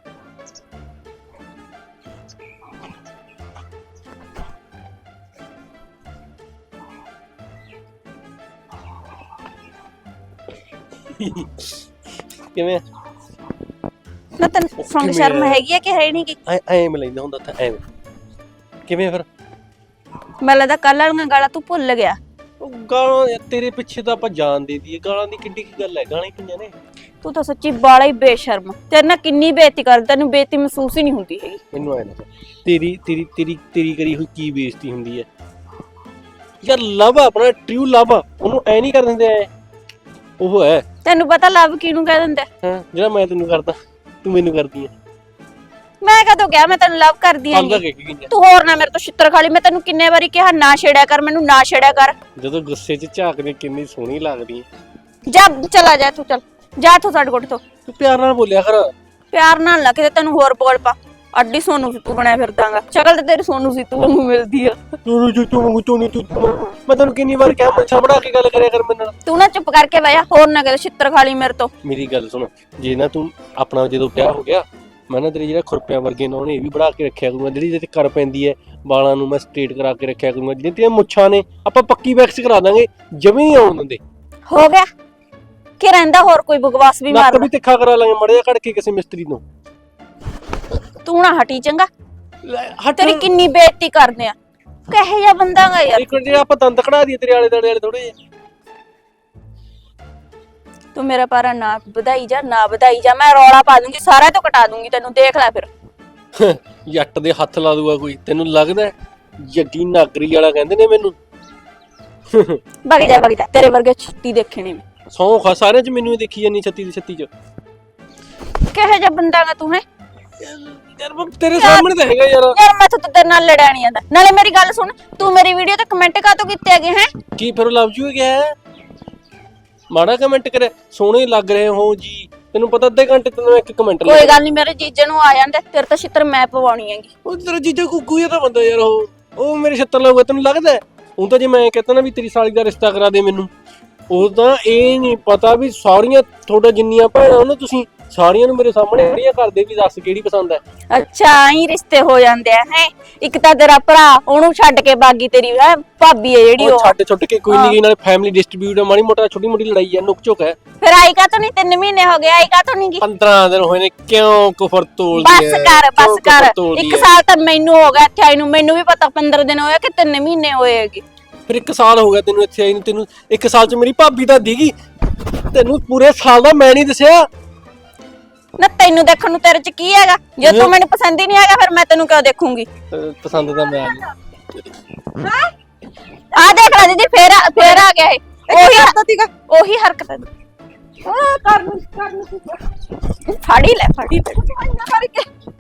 Speaker 2: ਕਿਵੇਂ
Speaker 4: ਨਾ ਤੈਨੂੰ ਸੰਗ ਸ਼ਰਮ ਹੈਗੀ ਹੈ ਕਿ ਹੈ ਨਹੀਂ? ਕਿ
Speaker 2: ਐ ਐ ਮੈਂ ਲੈਂਦਾ ਹੁੰਦਾ ਤਾਂ ਐਵੇਂ ਕਿਵੇਂ ਫਿਰ?
Speaker 4: ਮੈਨੂੰ ਲੱਗਦਾ ਕੱਲ ਵਾਲੀਆਂ ਗਾਲਾਂ ਤੂੰ ਭੁੱਲ ਗਿਆ।
Speaker 2: ਉਹ ਗਾਲਾਂ ਯਾਰ ਤੇਰੇ ਪਿੱਛੇ ਤਾਂ ਆਪਾਂ ਜਾਣ ਦੇ ਦਈਏ, ਗਾਲਾਂ ਦੀ ਕਿੱਡੀ ਕੀ ਗੱਲ ਹੈ, ਗਾਲਾਂ ਹੀ ਕਿੰਨੀਆਂ ਨੇ।
Speaker 4: ਤੂੰ ਤਾਂ ਸੱਚੀ ਬਾਲਾ ਹੀ ਬੇਸ਼ਰਮ, ਤੇਰੇ ਨਾਲ ਕਿੰਨੀ ਬੇਇੱਜ਼ਤੀ ਕਰ, ਤੈਨੂੰ ਬੇਇੱਜ਼ਤੀ ਮਹਿਸੂਸ ਹੀ ਨਹੀਂ ਹੁੰਦੀ ਹੈਗੀ।
Speaker 2: ਮੈਨੂੰ ਐ ਨਾ ਤੇਰੀ ਤੇਰੀ ਤੇਰੀ ਤੇਰੀ ਕਰੀ ਹੋਈ ਕੀ ਬੇਇੱਜ਼ਤੀ ਹੁੰਦੀ ਹੈ ਯਾਰ? ਲਵ ਆਪਣਾ ਟਰੂ ਲਵ, ਉਹਨੂੰ ਐ ਨਹੀਂ ਕਰ ਦਿੰਦੇ ਐ। ਉਹ ਹੈ
Speaker 4: ਤੈਨੂੰ ਪਤਾ ਲਵ ਕਿਹਨੂੰ ਕਹਿ ਦਿੰਦਾ?
Speaker 2: ਹਾਂ ਜਿਹੜਾ ਮੈਂ ਤੈਨੂੰ ਕਰਦਾ ਤੂੰ ਮੈਨੂੰ ਕਰਦੀ ਐ।
Speaker 4: ਮੈਂ ਕਦੋਂ ਕਿਹਾ ਮੈਂ ਤੈਨੂੰ ਲਵ ਕਰਦੀ ਆਂ? ਤੂੰ ਹੋਰ ਨਾ ਮੇਰੇ ਤੋਂ ਛਿੱਤਰ ਖਾ ਲਈ। ਮੈਂ ਤੈਨੂੰ ਕਿੰਨੇ ਵਾਰੀ ਕਿਹਾ ਨਾ ਛੇੜਿਆ ਕਰ, ਮੈਨੂੰ ਨਾ ਛੇੜਿਆ ਕਰ।
Speaker 2: ਜਦੋਂ ਗੁੱਸੇ 'ਚ ਝਾਕਦੇ ਕਿੰਨੀ ਸੋਹਣੀ ਲੱਗਦੀ ਐ।
Speaker 4: ਜਾ ਚਲਾ ਜਾ, ਤੂੰ ਚੱਲ ਜਾ ਤੂੰ ਸਾਡੇ ਕੋਲ ਤੋਂ।
Speaker 2: ਤੂੰ ਪਿਆਰ ਨਾਲ ਬੋਲਿਆ ਕਰ।
Speaker 4: ਪਿਆਰ ਨਾਲ ਨਾ ਕਿਤੇ ਤੈਨੂੰ ਹੋਰ ਬੋਲ ਪਾ, ਅੱਡੀ ਸੋਨੂ ਸਿੱਤੂ ਬਣਿਆ ਫਿਰਦਾਗਾ। ਸ਼ਕਲ ਤੇ ਤੇਰੀ ਸੋਨੂ ਸਿੱਤੂ ਵਾਂਗੂ ਮਿਲਦੀ ਆ।
Speaker 2: ਤੂੰ ਜੋ ਤੂੰ ਵਾਂਗੂ ਤੂੰ ਨਹੀਂ ਤੂੰ ਮੈਂ ਤੈਨੂੰ ਕਿੰਨੀ ਵਾਰ ਕਿਹਾ ਮੱਛਾ ਬਣਾ ਕੇ ਗੱਲ ਕਰਿਆ ਕਰ ਮੇਰੇ ਨਾਲ।
Speaker 4: ਤੂੰ ਨਾ ਚੁੱਪ ਕਰਕੇ ਬਹਿ ਜਾ, ਹੋਰ ਨਾ ਕਿਤੇ ਛਿੱਤਰ ਖਾ ਲਈ ਮੇਰੇ ਤੋਂ।
Speaker 2: ਮੇਰੀ ਗੱਲ ਸੁਣ, ਜੇ ਨਾ ਤੂੰ ਆਪਣਾ ਜਦੋਂ ਵਿਆਹ ਹੋ ਗਿਆ, ਮੈਂ ਨਾ ਤੇਰੇ ਜਿਹੜਾ ਖੁਰਪਿਆਂ ਵਰਗੇ ਨੇ ਉਹਨੇ ਇਹ ਵੀ ਬਣਾ ਕੇ ਰੱਖਿਆ ਕਰੂੰਗਾ। ਜਿਹੜੀ ਜਿਹਦੇ ਕਰ ਪੈਂਦੀ ਹੈ ਵਾਲਾਂ ਨੂੰ ਮੈਂ ਸਟ੍ਰੇਟ ਕਰਾ ਕੇ ਰੱਖਿਆ ਕਰੂੰਗਾ। ਜਿਹੜੀਆਂ ਤੇਰੀਆਂ ਮੁੱਛਾਂ ਨੇ ਆਪਾਂ ਪੱਕੀ ਵੈਕਸ ਕਰਾ ਦਾਂਗੇ, ਜਮੀ ਨਹੀਂ ਆਉਣ ਦਿੰਦੇ।
Speaker 4: ਹੋ ਗਿਆ ਕਿ ਰਹਿੰਦਾ ਹੋਰ ਕੋਈ ਬਕਵਾਸ ਵੀ
Speaker 2: ਨੱਕ
Speaker 4: ਮਾਰਦਾ?
Speaker 2: ਵੀ ਤਿੱਖਾ ਕਰਾ ਲਾਂਗੇ ਮੜਿਆ ਕੱਢ ਕੇ ਕਿਸੇ ਮਿਸਤਰੀ ਤੋਂ।
Speaker 4: ਤੂੰ ਨਾ ਹਟੀ ਚੰਗਾ,
Speaker 2: ਹਟ
Speaker 4: ਤੇਰੀ ਕਿੰਨੀ ਬੇਇੱਜ਼ਤੀ ਕਰਦੇ ਆ। ਕਹੇ ਜਿਹਾ ਬੰਦਾਗਾ ਯਾਰ
Speaker 2: ਇੱਕ ਜਿਹੜਾ ਆਪਾਂ ਦੰਦ ਕਢਾ ਦਈਏ ਤੇਰੇ ਆਲੇ ਦਾਲੇ ਵਾਲੇ ਥੋੜੇ ਜਿਹੇ।
Speaker 4: ਤੂੰ ਮੇਰਾ ਪਾਰਾ ਨਾ ਵਧਾਈ ਜਾ, ਨਾ ਵਧਾਈ ਜਾ, ਮੈਂ ਰੌਲਾ ਪਾ ਦੂੰਗੀ, ਸਾਰਾ ਤੋਂ ਕਟਾ ਦੂੰਗੀ ਤੈਨੂੰ, ਦੇਖ ਲੈ ਫਿਰ।
Speaker 2: ਜੱਟ ਦੇ ਹੱਥ ਲਾ ਦੂਗਾ ਕੋਈ, ਤੈਨੂੰ ਲੱਗਦਾ? ਜੱਗੀ ਨਾਗਰੀ ਵਾਲਾ ਕਹਿੰਦੇ ਨੇ ਮੈਨੂੰ।
Speaker 4: ਵਗ ਜਾ ਵਗ ਜਾ, ਤੇਰੇ ਵਰਗੇ ਛੱਤੀ ਦੇਖਣੇ ਮੈਂ।
Speaker 2: ਸੌਂ ਖਾ ਸਾਰਿਆਂ 'ਚ ਮੈਨੂੰ ਹੀ ਦੇਖੀ ਜਾਨੀ ਛੱਤੀ ਦੀ ਛੱਤੀ 'ਚ।
Speaker 4: ਕਹੇ ਜਿਹਾ ਬੰਦਾਗਾ ਤੂੰ ਹੈ
Speaker 2: ਯਾਰ ਤੇਰੇ ਸਾਹਮਣੇ ਤਾਂ ਹੈਗਾ ਯਾਰ।
Speaker 4: ਯਾਰ ਮੈਂ ਤਾਂ ਤੇਰੇ ਨਾਲ ਲੜਿਆ ਨਹੀਂ ਆਂਦਾ। ਨਾਲੇ ਮੇਰੀ ਗੱਲ ਸੁਣ, ਤੂੰ ਮੇਰੀ ਵੀਡੀਓ ਤੇ ਕਮੈਂਟ ਕਾਤੋਂ ਕੀਤੇ ਹੈਗੇ ਹੈ?
Speaker 2: ਕੀ ਫਿਰ ਲਵ ਯੂ ਗਿਆ ਮਾੜਾ ਕਮੈਂਟ ਕਰੇ, ਸੋਹਣੇ ਲੱਗ ਰਹੇ ਹੋ ਜੀ। ਤੈਨੂੰ ਪਤਾ ਅੱਧੇ ਘੰਟੇ ਤੈਨੂੰ ਇੱਕ ਕਮੈਂਟ
Speaker 4: ਕੋਈ ਗੱਲ ਨਹੀਂ, ਮੇਰੇ ਜੀਜੇ ਨੂੰ ਆ ਜਾਂਦੇ, ਤੇਰੇ ਤਾਂ ਛਿੱਤਰ ਮੈਂ ਪਵਾਉਣੀ ਹੈਗੀ।
Speaker 2: ਉਹ ਤੇਰਾ ਜੀਜਾ ਕੁੱਕੂ ਜਿਹਾ ਤਾਂ ਬੰਦਾ ਯਾਰ, ਉਹ ਉਹ ਮੇਰੇ ਛੱਤਰ ਲਾਊਗਾ ਤੈਨੂੰ ਲੱਗਦਾ? ਹੁਣ ਤਾਂ ਜੇ ਮੈਂ ਕਹਤਾ ਨਾ ਵੀ ਤੇਰੀ ਸਾਲੀ ਦਾ ਰਿਸ਼ਤਾ ਕਰਾ ਦੇ ਮੈਨੂੰ, ਉਹ ਤਾਂ ਇਹ ਨਹੀਂ ਪਤਾ ਵੀ ਸਾਰੀਆਂ ਤੁਹਾਡਾ ਜਿੰਨੀਆਂ ਭੈਣਾਂ ਉਹਨਾਂ ਤੁਸੀਂ ਸਾਰੀਆਂ ਨੂੰ ਮੇਰੇ ਸਾਹਮਣੇ ਖੜੀਆਂ ਕਰਦੇ ਵੀ ਦੱਸ ਕਿਹੜੀ ਪਸੰਦ ਹੈ।
Speaker 4: ਅੱਛਾ ਹੀ ਰਿਸ਼ਤੇ ਹੋ ਜਾਂਦੇ ਆ ਹੈ। ਇੱਕ ਤਾਂ ਤੇਰਾ ਭਰਾ ਉਹਨੂੰ ਛੱਡ ਕੇ ਬਾਗੀ ਤੇਰੀ ਹੈ ਭਾਬੀ ਹੈ ਜਿਹੜੀ
Speaker 2: ਉਹ
Speaker 4: ਉਹ
Speaker 2: ਛੱਡ ਛੁੱਟ ਕੇ ਕੋਈ ਨਹੀਂ, ਨਾਲੇ ਫੈਮਿਲੀ ਡਿਸਟ੍ਰੀਬਿਊਟ ਮਾੜੀ ਮੋਟਾ ਛੋਟੀ ਮੋਟੀ ਲੜਾਈ ਹੈ, ਨੁਕ ਝੁਕ ਹੈ।
Speaker 4: ਫਿਰ ਆਈ ਕਾ ਤੋਂ ਨਹੀਂ ਤਿੰਨ ਮਹੀਨੇ ਹੋ ਗਏ, ਆਈ ਕਾ ਤੋਂ ਨਹੀਂ ਗੀ।
Speaker 2: ਪੰਦਰਾਂ ਦਿਨ ਹੋਏ ਨੇ, ਕਿਉਂ ਕੁਫਰ ਤੋਲਦੀ
Speaker 4: ਬਸ
Speaker 2: ਹੈ
Speaker 4: ਕਰ
Speaker 2: ਕਿਉਂ
Speaker 4: ਬਸ
Speaker 2: ਕੁਫਰ
Speaker 4: ਕਰ
Speaker 2: ਤੋਲਦੀ
Speaker 4: ਇੱਕ
Speaker 2: ਹੈ?
Speaker 4: ਸਾਲ ਤਾਂ ਮੈਨੂੰ ਹੋ ਗਿਆ ਇੱਥੇ ਆਈ ਨੂੰ, ਮੈਨੂੰ ਵੀ ਪਤਾ ਪੰਦਰਾਂ ਦਿਨ ਹੋਏ ਕਿ ਤਿੰਨ ਮਹੀਨੇ ਹੋਏ ਹੈਗੇ।
Speaker 2: ਫਿਰ ਇੱਕ ਸਾਲ ਹੋ ਗਿਆ ਤੈਨੂੰ ਇੱਥੇ ਆਈ ਨੂੰ, ਤੈਨੂੰ ਇੱਕ ਸਾਲ ਚ ਮੇਰੀ ਭਾਬੀ ਤਾਂ ਦੀਗੀ, ਤੈਨੂੰ ਪੂਰੇ ਸਾਲ ਦਾ ਮੈਂ ਨਹੀਂ ਦੱਸਿਆ।
Speaker 4: ਨਾ ਤੈਨੂੰ ਦੇਖਣ ਨੂੰ ਤੇਰੇ ਚ ਕੀ ਹੈਗਾ? ਜੇ ਤੂੰ ਮੈਨੂੰ ਪਸੰਦ ਹੀ ਨਹੀਂ ਹੈਗਾ ਫਿਰ ਮੈਂ ਤੈਨੂੰ ਕਿਉਂ ਦੇਖੂੰਗੀ?
Speaker 2: ਅਹ ਪਸੰਦ ਤਾਂ ਮੈਂ ਆ ਨਹੀਂ।
Speaker 4: ਆ ਦੇਖ ਲੈ ਦੀਦੀ ਫੇਰ ਆ- ਫੇਰ ਆ ਗਿਆ ਇਹ ਉਹੀ ਹਰਕਤ ਉਹੀ ਹਰਕਤ ਹੈ। ਆ ਕਰ ਨੂੰ ਕਰ ਨੂੰ ਫਾੜੀ ਲੈ ਫਾੜੀ ਲੈ ਕਰਕੇ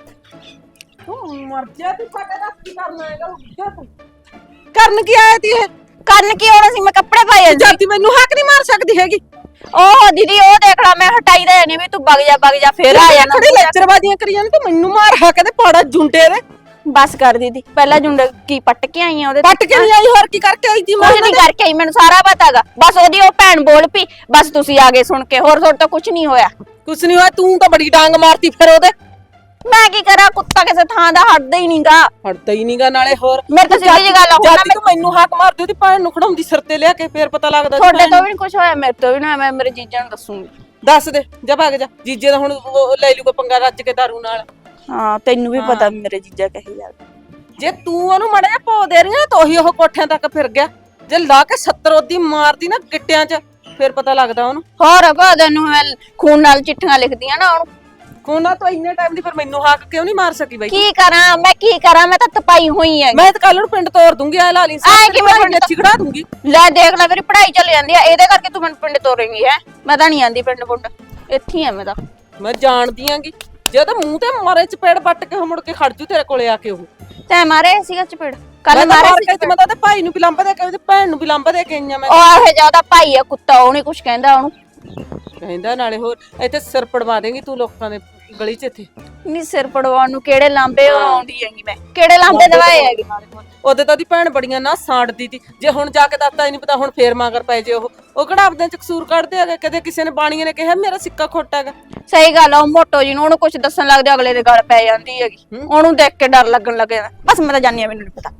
Speaker 5: ਤੂੰ ਮਰ ਜਾ, ਤੂੰ ਸਾਡੇ ਦਾ ਕੀ ਕਰਨਾ ਹੈਗਾ? ਉੱਠ ਤੂੰ ਕਰਨ ਕੀ ਆਇਆ ਤੀ ਇਹ?
Speaker 4: ਕੰਨ ਕੀ ਹੋਣਾ ਸੀ? ਮੈਂ ਕੱਪੜੇ ਪਾਏ ਸੀ।
Speaker 5: ਜਾਤੀ ਮੈਨੂੰ ਹੱਕ ਨਹੀਂ ਮਾਰ ਸਕਦੀ ਹੈਗੀ।
Speaker 4: ਉਹ ਦੀਦੀ ਉਹ ਦੇਖ ਲੈ ਮੈਂ ਹਟਾਈ ਦੇ ਨਹੀਂ ਵੀ ਤੂੰ ਵਗ ਜਾ ਵਗ ਜਾ ਫੇਰ ਆ ਜਾਣਾ।
Speaker 5: ਖੜੀ ਲੈਕਚਰਬਾਜ਼ੀਆਂ ਕਰੀ ਜਾਂਦੀ, ਤੂੰ ਮੈਨੂੰ ਮਾਰ ਹਾ ਕਹਿੰਦੇ ਪਾੜਾ ਜੁੰਡੇ ਦੇ।
Speaker 4: ਬਸ ਕਰ ਦੀਦੀ ਪਹਿਲਾਂ ਜੁੰਡ ਕੀ ਪੱਟ ਕੇ ਆਈ ਆ ਉਹਦੇ
Speaker 5: ਪੱਟ ਕੇ ਨਹੀਂ ਆਈ, ਹੋਰ ਕੀ ਕਰਕੇ ਆਈ ਤੀ?
Speaker 4: ਕੁਝ ਨਹੀਂ ਕਰਕੇ ਆਈ, ਮੈਨੂੰ ਸਾਰਾ ਪਤਾਗਾ। ਬਸ ਉਹਦੀ ਉਹ ਭੈਣ ਬੋਲ ਪਈ, ਬਸ ਤੁਸੀਂ ਆ ਗਏ ਸੁਣ ਕੇ, ਹੋਰ ਤੁਹਾਡੇ ਤੋਂ ਕੁਝ ਨਹੀਂ ਹੋਇਆ।
Speaker 5: ਕੁਛ ਨਹੀਂ ਹੋਇਆ, ਤੂੰ ਤਾਂ ਬੜੀ ਡਾਂਗ ਮਾਰਤੀ ਫਿਰ ਉਹਦੇ।
Speaker 4: ਮੈਂ ਕੀ ਕਰਾਂ, ਕੁੱਤਾ ਕਿਸੇ ਥਾਂ ਦਾ ਹਟਦਾ ਹੀ ਨਹੀਂਗਾ।
Speaker 5: ਹਟਦਾ ਹੀ ਨਹੀਂਗਾ ਨਾਲੇ ਹੋਰ।
Speaker 4: ਮੇਰੇ ਤਾਂ ਸਿੱਧੀ ਜਿਹੀ ਗੱਲ ਆ, ਹੁਣ
Speaker 5: ਜਾਤੀ ਤੂੰ ਮੈਨੂੰ ਹੱਕ ਮਾਰਦੀ ਉਹਦੀ ਭੈਣ ਨੂੰ ਖੜਾਉਂਦੀ ਸਿਰ ਤੇ ਲਿਆ ਕੇ, ਫੇਰ ਪਤਾ ਲੱਗਦਾ।
Speaker 4: ਤੁਹਾਡੇ ਤੋਂ ਵੀ ਨਹੀਂ ਕੁਝ ਹੋਇਆ, ਮੇਰੇ ਤੋਂ ਵੀ ਨਾ, ਮੈਂ ਮੇਰੇ ਜੀਜਾਂ ਨੂੰ ਦੱਸੂਗੀ।
Speaker 5: ਦੱਸ ਦੇ, ਜਾ ਭੱਗ ਜਾ। ਜੀਜੇ ਦਾ ਹੁਣ ਉਹ ਲੈ ਲੂਗਾ ਪੰਗਾ ਰੱਜ ਕੇ ਦਾਰੂ ਨਾਲ।
Speaker 4: ਹਾਂ ਤੈਨੂੰ ਵੀ ਪਤਾ ਵੀ ਮੇਰੇ ਜੀਜਾ ਕਹੀ ਜਾਂਦੇ।
Speaker 5: ਜੇ ਤੂੰ ਉਹਨੂੰ ਮੜਾ ਜਾ ਪੋ ਦੇ ਰਹੀ ਨਾ ਤਾਂ ਉਹੀ ਉਹ ਕੋਠਿਆਂ ਤੱਕ ਫਿਰ ਗਿਆ। ਜੇ ਲਾ ਕੇ ਸੱਤਰ ਉਹਦੀ ਮਾਰਦੀ ਨਾ ਗਿੱਟਿਆਂ 'ਚ, ਫਿਰ ਪਤਾ ਲੱਗਦਾ ਉਹਨੂੰ।
Speaker 4: ਹੋਰ ਭਾਦਨ ਨੂੰ ਮੈਂ ਖੂਨ ਨਾਲ ਚਿੱਠੀਆਂ ਲਿਖਦੀਆਂ ਨਾ ਉਹਨੂੰ।
Speaker 5: ਕੋਨਾ ਤੋਂ ਇੰਨੇ ਟਾਈਮ ਦੀ ਫਿਰ ਮੈਨੂੰ ਹੱਕ ਕਿਉਂ ਨਹੀਂ ਮਾਰ ਸਕੀ ਬਾਈ?
Speaker 4: ਕੀ ਕਰਾਂ ਮੈਂ, ਕੀ ਕਰਾਂ ਮੈਂ ਤਾਂ ਤਪਾਈ ਹੋਈ ਐ।
Speaker 5: ਮੈਂ ਤਾਂ ਕੱਲ ਨੂੰ ਪਿੰਡ ਤੋਰ ਦੂੰਗੀ, ਆ ਲਾ ਲਈ
Speaker 4: ਐਂ ਕਿਵੇਂ ਪਿੰਡ
Speaker 5: ਚਿਕੜਾ ਦੂੰਗੀ?
Speaker 4: ਲੈ ਦੇਖ ਲੈ ਮੇਰੀ ਪੜ੍ਹਾਈ ਚੱਲ ਜਾਂਦੀ ਆ, ਇਹਦੇ ਕਰਕੇ ਤੂੰ ਮੈਨੂੰ ਪਿੰਡ ਤੋਰੇਂਗੀ ਹੈ? ਮੈਂ ਤਾਂ ਨਹੀਂ ਆਂਦੀ ਪਿੰਡ ਪੁੰਡ, ਇੱਥੇ ਆ ਮੈਂ ਤਾਂ।
Speaker 5: ਮੈਂ ਜਾਣਦੀ ਆਂਗੀ ਜੇ ਤਾਂ ਮੂੰਹ ਤੇ ਮਾਰੇ ਚਪੇੜ ਵੱਟ ਕੇ ਮੁੜ ਕੇ ਖੜ ਜੂ ਤੇਰੇ ਕੋਲੇ ਆ ਕੇ। ਉਹ
Speaker 4: ਤੈ ਮਾਰੇ ਸੀਗਾ ਚਪੇੜ
Speaker 5: ਮੈਂ
Speaker 4: ਕੱਲ
Speaker 5: ਤਾਂ
Speaker 4: ਮਾਰੇ
Speaker 5: ਮਾਰ
Speaker 4: ਸੀ
Speaker 5: ਕੇ
Speaker 4: ਚਪੇੜ।
Speaker 5: ਮੈਂ ਤਾਂ ਉਹਦੇ ਭਾਈ ਨੂੰ ਵੀ ਲੰਬਾ ਦੇ ਕੇ ਉਹਦੀ ਭੈਣ ਨੂੰ ਵੀ ਲੰਬਾ ਦੇ ਕੇ ਆਈਆਂ ਮੈਂ।
Speaker 4: ਉਹ ਇਹ ਜਿਆਦਾ ਭਾਈ ਆ ਕੁੱਤਾ, ਉਹ ਨਹੀਂ ਕੁਝ ਕਹਿੰਦਾ ਉਹਨੂੰ।
Speaker 5: ਕਹਿੰਦਾ ਨਾਲੇ ਹੋਰ ਇੱਥੇ ਸਿਰ ਪੜਵਾ ਦੇਂਗੀ ਤੂੰ ਲੋਕਾਂ ਦੇ ਗਲੀ 'ਚ। ਇੱਥੇ
Speaker 4: ਨਹੀਂ ਸਿਰ ਪੜਵਾਉਣ ਨੂੰ ਕਿਹੜੇ ਲਾਂਬੇ ਆਉਂਦੀ ਹੈਗੀ ਮੈਂ, ਕਿਹੜੇ ਲਾਂਬੇ ਦਵਾਏ ਹੈਗੇ?
Speaker 5: ਉਹਦੇ ਤਾਂ ਉਹਦੀ ਭੈਣ ਬੜੀਆਂ ਨਾ ਸਾੜਦੀ ਤੀ। ਜੇ ਹੁਣ ਜਾ ਕੇ ਦੱਸਦਾ ਹੀ ਨਹੀਂ ਪਤਾ ਹੁਣ ਫੇਰ ਮਗਰ ਪੈ ਜੇ। ਉਹ ਉਹ ਕਿਹੜਾ ਆਪਦੇ ਚ ਕਸੂਰ ਕੱਢਦੇ ਹੈਗੇ? ਕਦੇ ਕਿਸੇ ਨੇ ਬਾਣੀਏ ਨੇ ਕਿਹਾ ਮੇਰਾ ਸਿੱਕਾ ਖੋਟਾ ਹੈਗਾ?
Speaker 4: ਸਹੀ ਗੱਲ ਆ, ਉਹ ਮੋਟੋ ਜੀ ਨੂੰ ਉਹਨੂੰ ਕੁਝ ਦੱਸਣ ਲੱਗਦੇ ਅਗਲੇ ਦੇ ਗੱਲ ਪੈ ਜਾਂਦੀ ਹੈਗੀ, ਉਹਨੂੰ ਦੇਖ ਕੇ ਡਰ ਲੱਗਣ ਲੱਗੇ। ਬਸ ਮੈਂ ਤਾਂ ਜਾਣੀ ਆ, ਮੈਨੂੰ ਨਹੀਂ ਪਤਾ।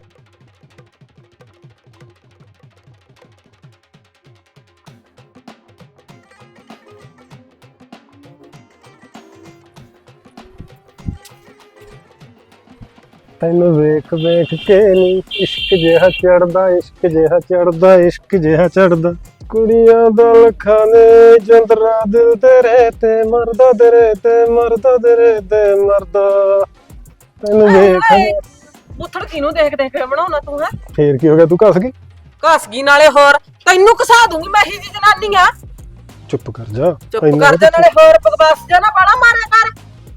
Speaker 3: ਤੈਨੂੰ ਵੇਖ ਵੇਖ ਕੇ ਨੀ ਇਸ਼ਕ ਜਿਹਾ ਚੜਦਾ, ਇਸ਼ਕ ਜਿਹਾ ਚੜਦਾ, ਇਸ਼ਕ ਜਿਹਾ ਚੜਦਾ। ਕੁੜੀਆਂ ਦਾ ਲੱਖਾਂ ਨੇ ਜੰਦਰਾ, ਦਿਲ ਤੇਰੇ ਤੇ ਮਰਦਾ, ਤੇਰੇ ਤੇ ਮਰਦਾ, ਤੇਰੇ ਤੇ ਮਰਦਾ। ਤੈਨੂੰ ਵੇਖ
Speaker 5: ਉਥੜ ਕਿਨੂੰ ਦੇਖ ਦੇਖ ਕੇ ਬਣਾਉਣਾ ਤੂੰ? ਹੈ
Speaker 3: ਫੇਰ ਕੀ ਹੋ ਗਿਆ, ਤੂੰ ਕੱਸ ਗਈ?
Speaker 5: ਘਸ ਗਈ ਨਾਲੇ ਹੋਰ। ਤੈਨੂੰ ਘਸਾ ਦੂੰਗੀ ਮੈਂ ਹੀ ਜੀ ਜਨਾਨੀ ਆ।
Speaker 3: ਚੁੱਪ ਕਰ ਜਾ।
Speaker 5: ਚੁੱਪ ਕਰ ਜਾ, ਨਾਲੇ ਹੋਰ ਬਕਵਾਸ ਜਾ ਨਾ ਬਾਲਾ ਮਾਰਿਆ ਕਰ।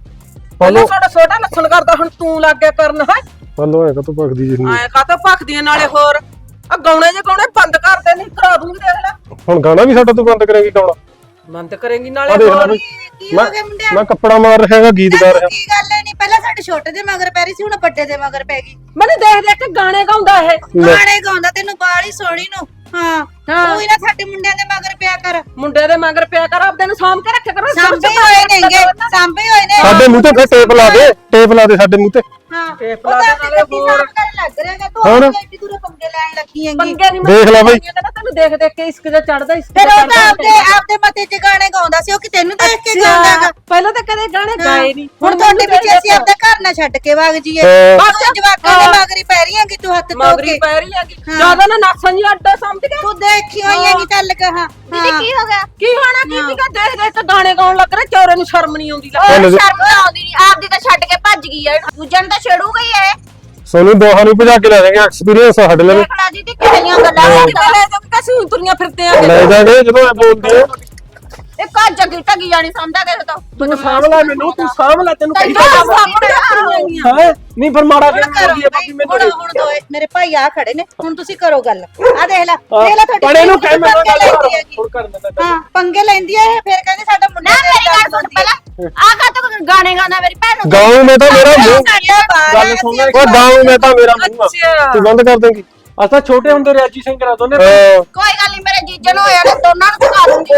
Speaker 5: ਪਹਿਲਾਂ ਸਾਡਾ ਛੋਟਾ ਲੱਛਣ ਕਰਦਾ, ਹੁਣ ਤੂੰ ਲੱਗ ਗਿਆ ਕਰਨ। ਹੈ
Speaker 3: ਹਲੋ ਐ ਕਾ ਭਗਦੀ ਜਿੰਨੀ
Speaker 5: ਐ ਕਾਤੋਂ ਭਖਦੀ ਨਾਲੇ ਹੋਰ। ਆ ਗਾਉਣੇ ਜੇ ਗਾਉਣੇ ਬੰਦ ਕਰ ਦੇ, ਨਹੀਂ ਕਰਾ ਦੂੰਗੀ। ਦੇਖ ਲੈ
Speaker 3: ਹੁਣ ਗਾਣਾ ਵੀ ਸਾਡਾ ਤੂੰ ਬੰਦ ਕਰੇਂਗੀ ਗਾਉਣਾ?
Speaker 5: ਬੰਦ ਕਰੇਂਗੀ
Speaker 3: ਆ
Speaker 5: ਨਾਲੇ
Speaker 3: ਦੇਖ ਲੈ
Speaker 5: ਹੋਰ।
Speaker 3: ਬਈ, ਮੈਂ ਮੈਂ ਕੱਪੜਾ ਮਾਰ ਰਿਹਾ ਹੈਗਾ, ਗੀਤ ਗਾ ਰਿਹਾ।
Speaker 1: ਕੀ ਗੱਲ ਹੈ? ਨਹੀਂ ਪਹਿਲਾਂ ਸਾਡੇ ਛੋਟੇ ਦੇ ਮਗਰ ਪੈ ਰਹੀ ਸੀ, ਹੁਣ ਵੱਡੇ ਦੇ ਮਗਰ ਪੈ ਗਈ।
Speaker 5: ਮੈਨੂੰ ਦੇਖ ਦੇਖ ਕੇ ਗਾਣੇ ਗਾਉਂਦਾ ਇਹ।
Speaker 1: ਗਾਣੇ ਗਾਉਂਦਾ, ਤੈਨੂੰ ਬਾਲੀ ਸੋਹਣੀ ਨੂੰ। ਹਾਂ ਤੂੰ ਹੀ ਨਾ ਸਾਡੇ ਮੁੰਡਿਆਂ ਦੇ ਮਗਰ ਪਿਆ ਕਰ।
Speaker 5: ਮੁੰਡੇ ਦੇ ਮਗਰ ਪਿਆ ਕਰ, ਆਪਦੇ ਨੂੰ ਸਾਂਭ ਕੇ ਰੱਖਿਆ ਕਰੋ।
Speaker 1: ਸਾਂਭੇ ਹੋਏ ਨੇਗੇ, ਸਾਂਭੇ ਹੋਏ ਨੇ।
Speaker 3: ਸਾਡੇ ਮੂੰਹ ਤੇ ਫਿਰ ਟੇਪ ਲਾ ਦੇ, ਟੇਪ ਲਾ ਦੇ ਸਾਡੇ ਮੂੰਹ ਤੇ।
Speaker 1: ਹਾਂ
Speaker 5: ਟੇਪ
Speaker 1: ਉਹ
Speaker 5: ਲਾ
Speaker 1: ਤਾਂ
Speaker 5: ਦੇ ਨਾਲੇ
Speaker 1: ਆਪਣੀ
Speaker 5: ਹੋਰ।
Speaker 1: ਸਾਂਭ ਕਰਨ ਲੱਗ ਰਿਹਾਗਾ ਤੂੰ,
Speaker 3: ਹੋਰ।
Speaker 1: ਆਪਣੀ ਐਡੀ ਦੂਰੋਂ ਪੰਗੇ ਲੈਣ ਲੱਗੀ ਹੈਗੀ।
Speaker 5: ਪੰਗੇ ਨਹੀਂ
Speaker 3: ਦੇਖ ਲੈ ਬਈ।
Speaker 5: ਤੈਨੂੰ ਦੇਖ ਦੇਖ ਕੇ ਇਸ਼ਕ ਜਿਹਾ ਚੜਦਾ। ਇਸ਼ਕ
Speaker 1: ਫਿਰ
Speaker 5: ਜਿਹਾ
Speaker 1: ਉਹ ਤਾਂ
Speaker 5: ਚੜ੍ਹਦਾ
Speaker 1: ਆਪਦੇ ਆਪਦੇ ਮਤੇ 'ਚ ਗਾਣੇ ਗਾਉਂਦਾ ਸੀ, ਉਹ ਕਿ ਤੈਨੂੰ ਦੇਖ ਕੇ
Speaker 5: ਅੱਛਾ,
Speaker 1: ਗਾਉਂਦਾਗਾ।
Speaker 5: ਪਹਿਲਾਂ ਤਾਂ ਕਦੇ ਗਾਣੇ ਗਾਏ ਨਹੀਂ।
Speaker 1: ਹੁਣ ਤੁਹਾਡੇ ਪਿੱਛੇ ਅਸੀਂ ਆਪਦਾ ਘਰ ਨਾ ਛੱਡ ਕੇ ਵਗ ਜੀਏ।
Speaker 3: ਹਾਂ।
Speaker 1: ਬਸ ਜਵਾਕਾਂ ਦੇ ਮਗਰੀ ਪੈ ਰਹੀ ਹੈਗੀ ਤੂੰ, ਹੱਥ ਧੋ
Speaker 5: ਮਗਰੀ
Speaker 1: ਕੇ।
Speaker 5: ਪੈ ਰਹੀ ਹੈਗੀ ਜਿਆਦਾ ਨਾ ਨਾਸਾਂ ਜੀ ਅੱਡਾ ਸਮਝ ਗਿਆ।
Speaker 1: ਤੂੰ ਦੇਖੀ ਹੋਈ ਹੈਗੀ, ਚੱਲ ਕਹਾ।
Speaker 4: ਦੀਦੀ ਕੀ ਹੋ ਗਿਆ?
Speaker 5: ਕੀ ਹੋਣਾ ਕੀ ਸੀਗਾ? ਦੇਖ ਦੇਖ ਕੇ ਗਾਣੇ ਗਾਉਣ ਲੱਗ ਰਿਹਾ। ਚੋਰੇ ਨੂੰ ਸ਼ਰਮ ਨਹੀਂ ਆਉਂਦੀ।
Speaker 4: ਉਹ
Speaker 3: ਚੱਲ ਜੀ।
Speaker 4: ਸ਼ਰਮ ਤਾਂ ਆਉਂਦੀ ਨਹੀਂ, ਆਪਦੀ ਤਾਂ ਛੱਡ ਕੇ ਭੱਜ ਗਈ ਐ, ਦੂਜਿਆਂ ਨੂੰ ਤਾਂ ਛੇੜੂਗਾ ਹੀ ਐ।
Speaker 3: ਸੋਨੂੰ ਦੋਹਾਂ ਨੂੰ ਭਜਾ ਕੇ ਲੈ ਜਾਵਾਂਗੇ, ਐਕਸਪੀਰੀਅੰਸ ਆ ਸਾਡੇ ਲਈ।
Speaker 4: ਦੇਖ ਲੈ ਦੀਦੀ ਕਿਹੜੀਆਂ ਗੱਲਾਂ
Speaker 5: ਕਿਤੇ ਲੈ ਜਾਓ ਕਿ ਅਸੀਂ ਤੁਰੀਆਂ ਫਿਰਦੇ ਆ।
Speaker 3: ਲੈ ਜਾਗੇ ਜਦੋਂ ਐ ਬੋਲਦੀ ਆ।
Speaker 4: ਇਹ ਕਾ ਜੱਗੀ ਟੱਗੀ ਜਾਣੀ ਸਮਝਦਾ ਕਿਸੇ ਤੋਂ।
Speaker 2: ਤੂੰ ਸਾਂਭ ਲੈ ਮੈਨੂੰ, ਤੂੰ ਸਾਂਭ ਲੈ, ਤੈਨੂੰ ਕਹੀ
Speaker 4: ਤੈਨੂੰ
Speaker 2: ਜਾਂਦਾ।
Speaker 4: ਸਾਂਭਣਾ
Speaker 2: ਹੈ ਨਹੀਂ ਫਿਰ ਮਾੜਾ
Speaker 1: ਹੁਣ
Speaker 2: ਕਿਉਂ
Speaker 1: ਕਰੋ
Speaker 2: ਬੋਲਦੀ ਹੈ ਭਾਬੀ
Speaker 1: ਹੁਣ
Speaker 2: ਮੈਨੂੰ?
Speaker 1: ਹੁਣ ਦੋਏ ਮੇਰੇ ਭਾਈ ਆ ਖੜੇ ਨੇ, ਹੁਣ ਤੁਸੀਂ ਕਰੋ ਗੱਲ। ਆ ਦੇਖ ਲੈ ਦੇਖ ਲੈ ਤੁਹਾਡੀ
Speaker 2: ਪੜੇ ਨੂੰ
Speaker 1: ਭੈਣ
Speaker 2: ਕਹਿ ਮੈਂ
Speaker 1: ਪੰਗੇ
Speaker 2: ਗੱਲ
Speaker 1: ਲੈਂਦੀ ਹੈਗੀ।
Speaker 2: ਹੁਣ ਕਰ ਦਿੰਦਾ।
Speaker 1: ਹਾਂ ਪੰਗੇ ਲੈਂਦੀ ਹੈ ਇਹ, ਫਿਰ ਕਹਿੰਦੀ ਸਾਡਾ ਮੁੰਡਾ
Speaker 4: ਨਾ
Speaker 1: ਤੇਰੀ
Speaker 4: ਮੇਰੀ ਗੱਲ
Speaker 1: ਗੱਲ
Speaker 4: ਸੁਣ
Speaker 1: ਸੁਣਦੀ ਹੈ।
Speaker 4: ਪਹਿਲਾਂ, ਆ ਕਾ ਤੂੰ ਗਾਣੇ ਗਾਉਂਦਾ ਮੇਰੀ ਭੈਣ ਨੂੰ?
Speaker 3: ਗਾਉਂ ਮੈਂ ਤਾਂ ਮੇਰਾ ਮੂੰਹ,
Speaker 1: ਸਾਡਾ ਬਾਹਰ
Speaker 2: ਗੱਲ
Speaker 1: ਹੈ,
Speaker 2: ਸੁਣ
Speaker 1: ਅਸੀਂ
Speaker 2: ਲੈ।
Speaker 3: ਉਹ ਗਾਉਂ ਮੈਂ ਤਾਂ ਮੇਰਾ ਮੂੰਹ ਆ।
Speaker 5: ਅੱਛਾ।
Speaker 3: ਤੂੰ ਬੰਦ ਕਰ ਦੇਂਗੀ?
Speaker 2: ਅਸਾਂ ਛੋਟੇ ਹੁੰਦੇ ਰੈਜੀ ਸਿੰਘ ਕਰਾ ਦੋਨੇ।
Speaker 3: ਹਾਂ।
Speaker 4: ਕੋਈ ਗੱਲ ਨਹੀਂ, ਮੇਰੇ ਜੀਜੇ ਨੂੰ ਹੋਇਆ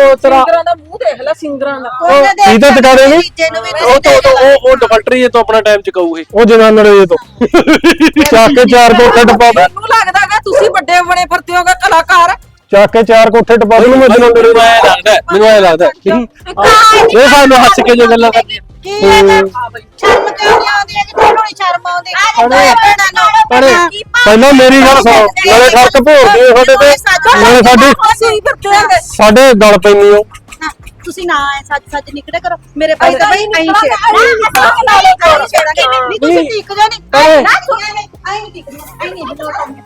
Speaker 2: ਉਹ ਤੇਰਾ
Speaker 5: ਸਿੰਗਰਾਂ ਦਾ ਮੂੰਹ ਦੇਖ ਲੈ ਸਿੰਗਰਾਂ ਦਾ
Speaker 3: ਇਹ ਤਾਂ ਟਿਕਾ ਦੇਣੀ
Speaker 2: ਉਹ ਤੋਂ ਉਹ ਉਹ ਡਿਫੈਕਟਰੀ ਇਹ ਤੋਂ ਆਪਣਾ ਟਾਈਮ ਚਕਾਊ ਇਹ
Speaker 3: ਉਹ ਜਨਾਨੜੇ ਜੇ ਤੋਂ ਚੱਕ ਕੇ ਚਾਰ ਕੋਠੇ ਟਪਾ ਦੇ
Speaker 5: ਮੈਨੂੰ ਲੱਗਦਾ ਹੈਗਾ ਤੁਸੀਂ ਵੱਡੇ ਬਣੇ ਫਿਰਦੇ ਹੋਗੇ ਕਲਾਕਾਰ
Speaker 3: ਚੱਕ ਕੇ ਚਾਰ ਕੋਠੇ ਟਪਾ ਦੇ ਮੈਂ ਜਨਾਨੜੇ
Speaker 2: ਮੈਨੂੰ ਐ ਲੱਗਦਾ ਮੈਨੂੰ ਐ ਲੱਗਦਾ ਇਹ ਸਾਨੂੰ ਹੱਸ ਕੇ ਜੋ ਗੱਲਾਂ ਕਰਦੀ
Speaker 1: ਕੀ ਹੈ ਤਾਂ ਸ਼ਰਮ ਕਿਉਂ ਨਹੀਂ ਆਉਂਦੀ ਹੈ ਕਿ ਤੈਨੂੰ ਨਹੀਂ ਸ਼ਰਮ ਆਉਂਦੀ
Speaker 3: ਅਰੇ ਪਹਿਲਾਂ ਮੇਰੀ ਗੱਲ ਸੁਣੋ ਨਾਲੇ ਖਰਚ ਭੋਰਦੇ ਸਾਡੇ ਤੇ ਨਾਲੇ ਸਾਡੀ
Speaker 5: ਅਸੀਂ ਫਿਰਦੇ ਹੈਗੇ
Speaker 3: ਸਾਡੇ ਗਲ ਪੈਣੀ ਹੋ
Speaker 1: ਤੁਸੀਂ ਨਾ ਐ ਸੱਚ ਸੱਚ ਨਿਕੜੇ ਕਰੋ ਮੇਰੇ ਭਾਈ ਤਾਂ ਬਈ ਨਹੀਂ ਛੇੜਾਂਗੇ ਨਹੀਂ ਤੁਸੀਂ ਟਿਕ ਜਾ ਨਹੀਂ ਨਾ ਸੁਣਾਂਗੇ ਆਈ ਨਹੀਂ ਟਿਕਦੀ ਆਈ ਨਹੀਂ ਹਿਲੋਟਾਂਗੇ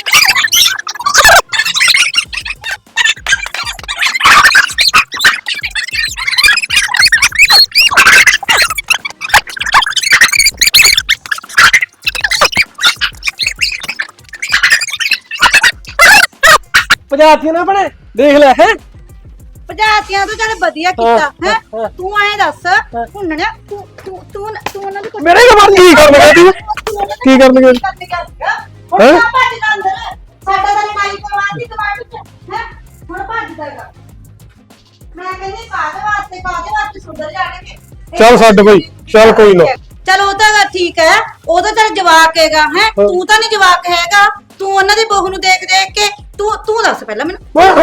Speaker 2: ਪੰਜਾਬੀਆਂ ਨਾ ਬਣੇ ਦੇਖ ਲੈ ਹੈ
Speaker 1: ਪੰਜਾਤੀਆਂ ਤੋਂ ਚੱਲ ਵਧੀਆ ਕੀਤਾ ਹੈ ਤੂੰ ਐਂ ਦੱਸ ਹੁਣਣਿਆ ਤੂੰ ਤੂੰ ਤੂੰ ਤੂੰ ਉਹਨਾਂ ਦੇ
Speaker 3: ਮੇਰੇ ਨਾਲ ਮਰ ਕੀ ਕਰਨਗੇ ਤੂੰ ਕੀ ਕਰਨਗੇ
Speaker 1: ਹੁਣ ਤਾਂ ਭੱਜ ਜਾ ਅੰਦਰ ਸਾਡਾ ਤਾਂ ਲੜਾਈ ਕਰਵਾਉਣ ਦੀ ਕਮਾਂਡ ਚ ਹੈ ਹੁਣ ਭੱਜ ਜਾਏਗਾ ਮੈਂ ਕਹਿੰਦੀ ਕਾਹਦੇ ਵਾਸਤੇ ਕਾਹਦੇ ਵਾਸਤੇ ਸੁਧਰ ਜਾਣਗੇ
Speaker 3: ਚੱਲ ਛੱਡ ਬਈ ਚੱਲ ਕੋਈ ਨਾ
Speaker 1: ਚਲ ਉਹ ਤਾਂ ਠੀਕ ਹੈ ਉਹ ਤਾਂ ਚੱਲ ਜਵਾਕ ਹੈਗਾ ਹੈ ਤੂੰ ਤਾਂ ਨਹੀਂ ਜਵਾਕ ਹੈਗਾ ਤੂੰ ਉਹਨਾਂ ਦੀ ਬਹੂ ਨੂੰ ਦੇਖ ਦੇਖ ਕੇ ਤੂੰ ਤੂੰ ਦੱਸ ਪਹਿਲਾਂ ਮੈਨੂੰ
Speaker 3: ਓਏ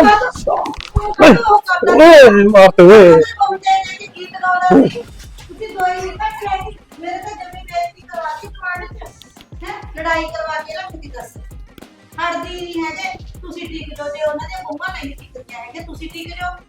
Speaker 3: ਮਾਰ ਤੇ ਓਏ
Speaker 1: ਤੁਸੀਂ ਦੋਈ ਨਹੀਂ ਕੱਟ ਲੈ ਮੇਰੇ ਤਾਂ ਜਮੀ ਬੇਇੱਜ਼ਤੀ ਕਰਵਾ ਕੇ ਕਮਾਂਡ ਚ ਹੈ ਲੜਾਈ ਕਰਵਾ ਕੇ ਰੱਖਦੀ ਦੱਸ ਹੜਦੀ ਨਹੀਂ ਹੈਗੇ ਤੁਸੀਂ ਟਿਕ ਜੋ ਜੇ ਉਹਨਾਂ ਦੇ ਬਹੂਆਂ ਨਹੀਂ ਟਿਕਦੀਆਂ ਹੈਗੇ ਤੁਸੀਂ ਟਿਕ ਜਾਓ